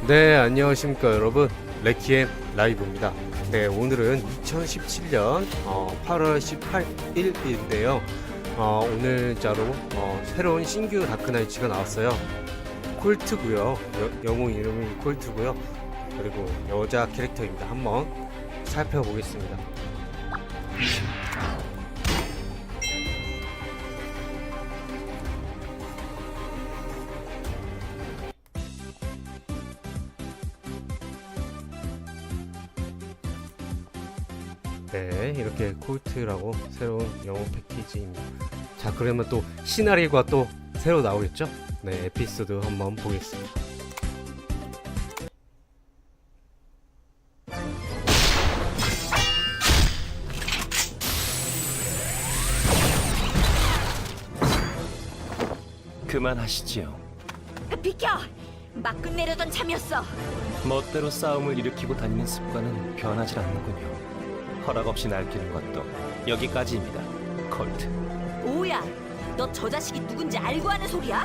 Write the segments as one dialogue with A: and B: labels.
A: 네, 안녕하십니까 여러분. 레키엠 라이브입니다. 네, 오늘은 2017년 8월 18일인데요. 오늘자로 새로운 신규 다크나이츠가 나왔어요. 콜트고요. 영웅 이름이 콜트고요. 그리고 여자 캐릭터입니다. 한번 살펴보겠습니다. 네, 이렇게 콜트라고 새로운 영웅 패키지입니다. 자, 그러면 또 시나리오가 또 새로 나오겠죠? 네, 에피소드 한번 보겠습니다.
B: 그만하시지요.
C: 비켜! 막 끝내려던 참이었어.
B: 멋대로 싸움을 일으키고 다니는 습관은 변하지 않는군요. 허락 없이 날뛰는 것도 여기까지입니다. 콜트.
C: 뭐야? 너 저 자식이 누군지 알고 하는 소리야?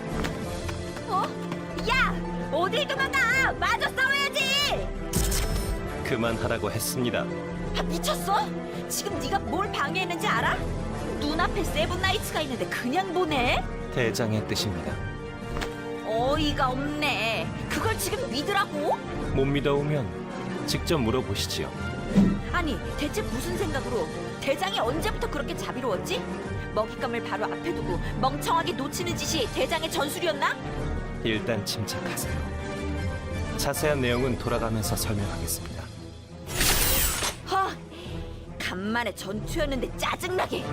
C: 야! 어딜 도망가! 마저 싸워야지!
B: 그만하라고 했습니다.
C: 미쳤어? 지금 네가 뭘 방해했는지 알아? 눈앞에 세븐나이츠가 있는데 그냥 보내?
B: 대장의 뜻입니다.
C: 어이가 없네. 그걸 지금 믿으라고?
B: 못 믿어오면 직접 물어보시지요.
C: 아니, 대체 무슨 생각으로 대장이 언제부터 그렇게 자비로웠지? 먹잇감을 바로 앞에 두고 멍청하게 놓치는 짓이 대장의 전술이었나?
B: 일단 침착하세요. 자세한 내용은 돌아가면서 설명하겠습니다.
C: 간만에 전투였는데 짜증나게.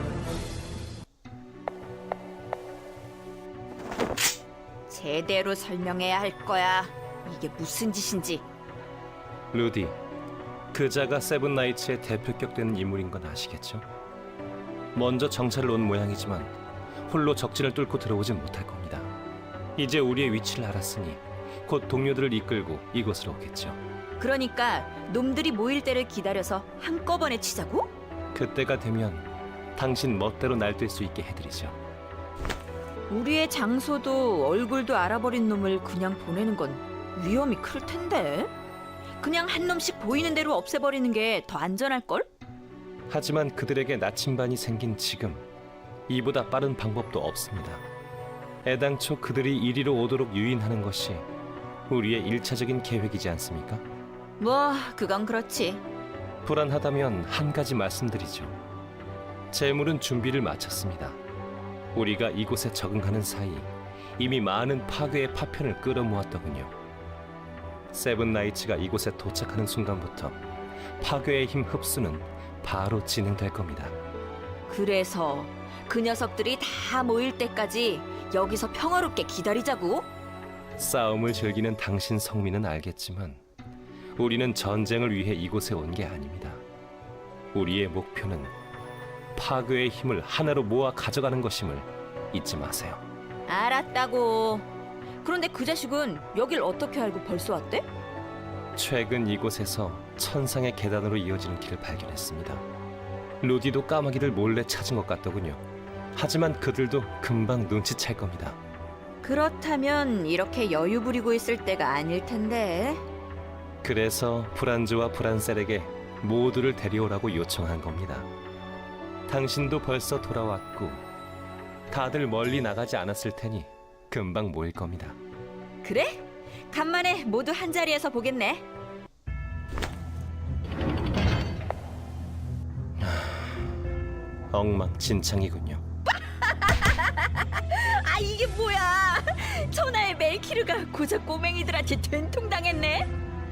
C: 제대로 설명해야 할 거야. 이게 무슨 짓인지.
B: 루디, 그자가 세븐나이츠의 대표격 되는 인물인 건 아시겠죠? 먼저 정찰을 온 모양이지만 홀로 적진을 뚫고 들어오진 못할 겁니다. 이제 우리의 위치를 알았으니 곧 동료들을 이끌고 이곳으로 오겠죠.
C: 그러니까 놈들이 모일 때를 기다려서 한꺼번에 치자고?
B: 그때가 되면 당신 멋대로 날뛸 수 있게 해드리죠.
C: 우리의 장소도 얼굴도 알아버린 놈을 그냥 보내는 건 위험이 클 텐데. 그냥 한 놈씩 보이는 대로 없애버리는 게 더 안전할걸?
B: 하지만 그들에게 나침반이 생긴 지금 이보다 빠른 방법도 없습니다. 애당초 그들이 이리로 오도록 유인하는 것이 우리의 일차적인 계획이지 않습니까?
C: 뭐 그건 그렇지.
B: 불안하다면 한 가지 말씀드리죠. 재물은 준비를 마쳤습니다. 우리가 이곳에 적응하는 사이 이미 많은 파괴의 파편을 끌어모았더군요. 세븐나이츠가 이곳에 도착하는 순간부터 파괴의 힘 흡수는 바로 진행될 겁니다.
C: 그래서 그 녀석들이 다 모일 때까지 여기서 평화롭게 기다리자고?
B: 싸움을 즐기는 당신 성민은 알겠지만 우리는 전쟁을 위해 이곳에 온 게 아닙니다. 우리의 목표는 파괴의 힘을 하나로 모아 가져가는 것임을 잊지 마세요.
C: 알았다고. 그런데 그 자식은 여길 어떻게 알고 벌써 왔대?
B: 최근 이곳에서 천상의 계단으로 이어지는 길을 발견했습니다. 루디도 까마귀를 몰래 찾은 것 같더군요. 하지만 그들도 금방 눈치챌 겁니다.
C: 그렇다면 이렇게 여유 부리고 있을 때가 아닐 텐데.
B: 그래서 브란즈와 브란셀에게 모두를 데려오라고 요청한 겁니다. 당신도 벌써 돌아왔고 다들 멀리 나가지 않았을 테니 금방 모일 겁니다.
C: 그래? 간만에 모두 한 자리에서 보겠네.
B: 엉망진창이군요.
C: 아, 이게 뭐야? 천하의 멜키르가 고작 꼬맹이들한테 된통당했네.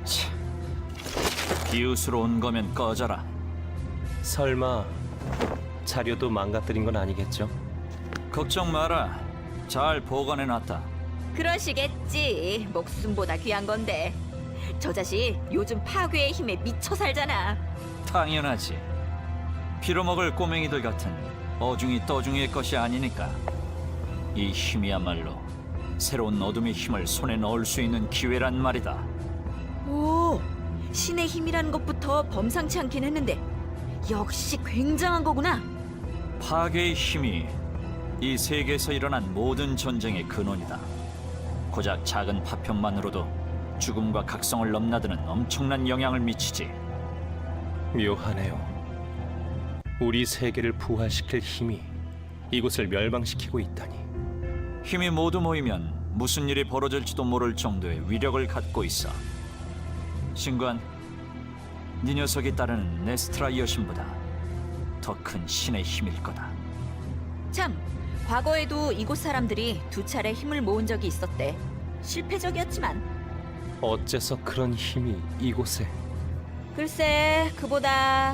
D: 이웃으로 온 거면 꺼져라.
B: 설마 자료도 망가뜨린 건 아니겠죠?
D: 걱정 마라. 잘 보관해놨다.
C: 그러시겠지. 목숨보다 귀한 건데. 저 자식 요즘 파괴의 힘에 미쳐 살잖아.
D: 당연하지. 빌어먹을 꼬맹이들 같은 어중이 떠중이의 것이 아니니까. 이 힘이야말로 새로운 어둠의 힘을 손에 넣을 수 있는 기회란 말이다.
C: 오, 신의 힘이라는 것부터 범상치 않긴 했는데 역시 굉장한 거구나.
D: 파괴의 힘이 이 세계에서 일어난 모든 전쟁의 근원이다. 고작 작은 파편만으로도 죽음과 각성을 넘나드는 엄청난 영향을 미치지.
B: 묘하네요. 우리 세계를 부활시킬 힘이 이곳을 멸망시키고 있다니.
D: 힘이 모두 모이면 무슨 일이 벌어질지도 모를 정도의 위력을 갖고 있어. 신관, 네 녀석이 따르는 네스트라 여신보다 더 큰 신의 힘일 거다.
C: 참, 과거에도 이곳 사람들이 2차례 힘을 모은 적이 있었대. 실패적이었지만.
B: 어째서 그런 힘이 이곳에?
C: 글쎄, 그보다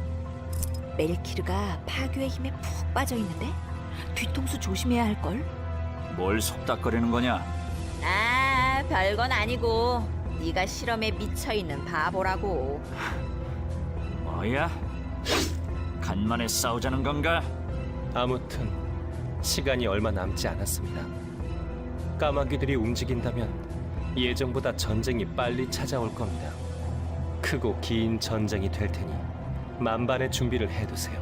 C: 멜키르가 파괴의 힘에 푹 빠져 있는데 뒤통수 조심해야 할 걸.
D: 뭘 속닥거리는 거냐?
C: 아, 별건 아니고 네가 실험에 미쳐 있는 바보라고.
D: 뭐야? 간만에 싸우자는 건가?
B: 아무튼 시간이 얼마 남지 않았습니다. 까마귀들이 움직인다면 예정보다 전쟁이 빨리 찾아올 겁니다. 크고 긴 전쟁이 될 테니 만반의 준비를 해두세요.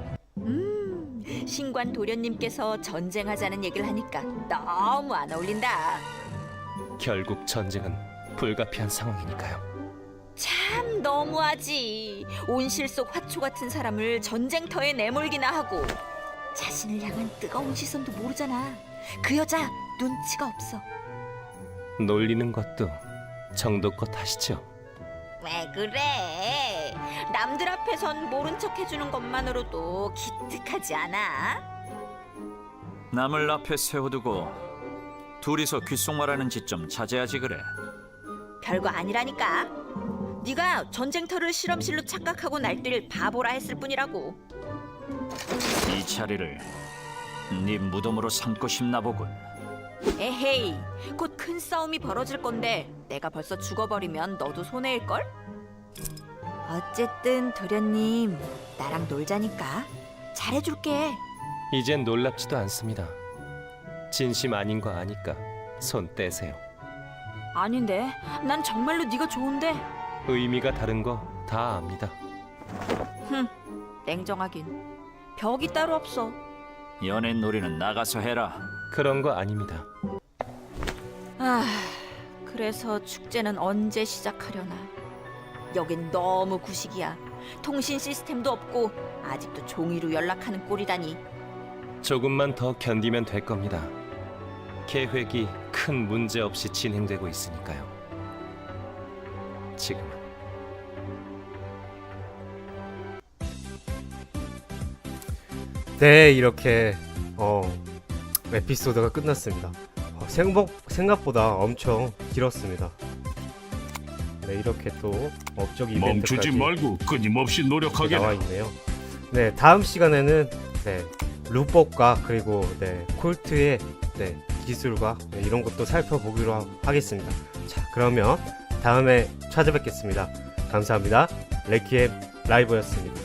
C: 신관 도련님께서 전쟁하자는 얘기를 하니까 너무 안 어울린다.
B: 결국 전쟁은 불가피한 상황이니까요.
C: 참 너무하지. 온실 속 화초 같은 사람을 전쟁터에 내몰기나 하고 자신을 향한 뜨거운 시선도 모르잖아. 그 여자 눈치가 없어.
B: 놀리는 것도 정도껏 하시죠.
C: 왜 그래? 남들 앞에선 모른 척 해주는 것만으로도 기특하지 않아?
D: 남을 앞에 세워두고 둘이서 귓속말하는 짓 좀 자제하지 그래.
C: 별거 아니라니까. 네가 전쟁터를 실험실로 착각하고 날뛸 바보라 했을 뿐이라고.
D: 이 자리를 네 무덤으로 삼고 싶나 보군.
C: 에헤이, 곧 큰 싸움이 벌어질 건데 내가 벌써 죽어버리면 너도 손해일걸? 어쨌든 도련님, 나랑 놀자니까 잘해줄게.
B: 이젠 놀랍지도 않습니다. 진심 아닌 거 아니까 손 떼세요.
C: 아닌데, 난 정말로 네가 좋은데.
B: 의미가 다른 거 다 압니다.
C: 냉정하긴 벽이 따로 없어.
D: 연애 놀이는 나가서 해라.
B: 그런 거 아닙니다.
C: 아, 그래서 축제는 언제 시작하려나. 여긴 너무 구식이야. 통신 시스템도 없고 아직도 종이로 연락하는 꼴이다니.
B: 조금만 더 견디면 될 겁니다. 계획이 큰 문제 없이 진행되고 있으니까요. 지금은.
A: 네, 이렇게 에피소드가 끝났습니다. 생각보다 엄청 길었습니다. 네, 이렇게 또 업적 이벤트까지
E: 멈추지 말고 끊임없이 노력하게라.
A: 나와 있네요. 네, 다음 시간에는 루법과 그리고 콜트의 기술과 이런 것도 살펴보기로 하겠습니다. 자, 그러면 다음에 찾아뵙겠습니다. 감사합니다. 레키엠 라이브였습니다.